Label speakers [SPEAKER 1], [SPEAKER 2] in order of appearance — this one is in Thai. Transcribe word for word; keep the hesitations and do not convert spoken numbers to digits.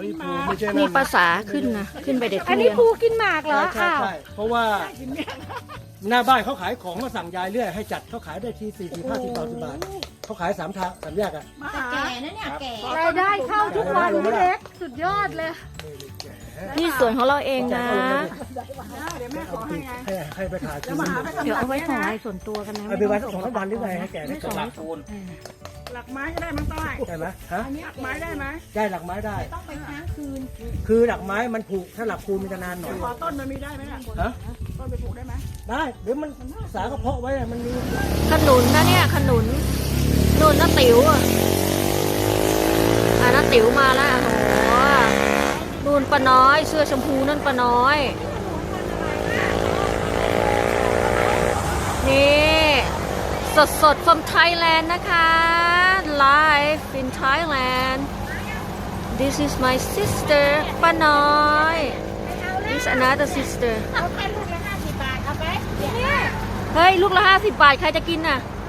[SPEAKER 1] อีภูไม่ใช่
[SPEAKER 2] มี
[SPEAKER 1] นั่น
[SPEAKER 2] ภาษาขึ้นนะขึ้นไปเด็ดทุ
[SPEAKER 3] อัน
[SPEAKER 2] เรี
[SPEAKER 3] นี้
[SPEAKER 2] ยน
[SPEAKER 3] ปูกินหมากเหรอ
[SPEAKER 1] ใช่
[SPEAKER 3] อ้าว
[SPEAKER 1] ใช่เพราะว่าหน้าบ้านเขาขายของมาสั่งยายเรื่อยให้จัดเขาขายได้ทีสี่สิบห้าสิบบาทสิบบาทเขาขายสามทางสามแยกอ่ะ
[SPEAKER 4] แก่นะเนี่ยแก่
[SPEAKER 3] รายได้เข้าทุกวันพี่เล็กสุดยอดเลย
[SPEAKER 2] นี่ส่วนของเราเองนะ
[SPEAKER 1] ให้ให้ไปขายกิน
[SPEAKER 3] เดี๋ยวเอาไว้ของรายส่วนตัวกันนะ
[SPEAKER 1] เอาไปไว้สักสองสามวันหรือไงให้แกได้
[SPEAKER 3] ไม่
[SPEAKER 1] ก่
[SPEAKER 3] ส่
[SPEAKER 1] อง น
[SPEAKER 3] ไม่ส่ง
[SPEAKER 5] หลักไม้ก็ได้มั้งต้อย
[SPEAKER 1] ได้ไหมฮะ
[SPEAKER 5] หลักไม้ได้ไหม
[SPEAKER 1] ได้หลักไม้ได้
[SPEAKER 4] ต้องไปค้างคืน
[SPEAKER 1] คือหลักไม้มันผูกถ้าหลักคูณมันจะนานหน่อย
[SPEAKER 5] ขอต้นมันมีได้ไหมล่ะ
[SPEAKER 1] ฮะ
[SPEAKER 5] ต้นไปปลูกได้ไหม
[SPEAKER 1] ได้เดี๋ยวมันสากระเพาะไว้อะมันมี
[SPEAKER 2] ขนุนนะเนี่ยขนุนนู่นน้าติ๋วอ่ะอ่าน้าติ๋วมาแล้วโอ้โหนู่นป้าน้อยเสื้อชมพูนั่นป้าน้อย นี่สดสด from Thailand นะคะ live in Thailand this is my sister ป้าน้อย this another sister
[SPEAKER 4] เอาแค่ลูกละห้าสิบบาทเอาไป
[SPEAKER 2] เฮ้ย ลูกละห้าสิบบาท ใครจะกินน่ะ
[SPEAKER 4] เ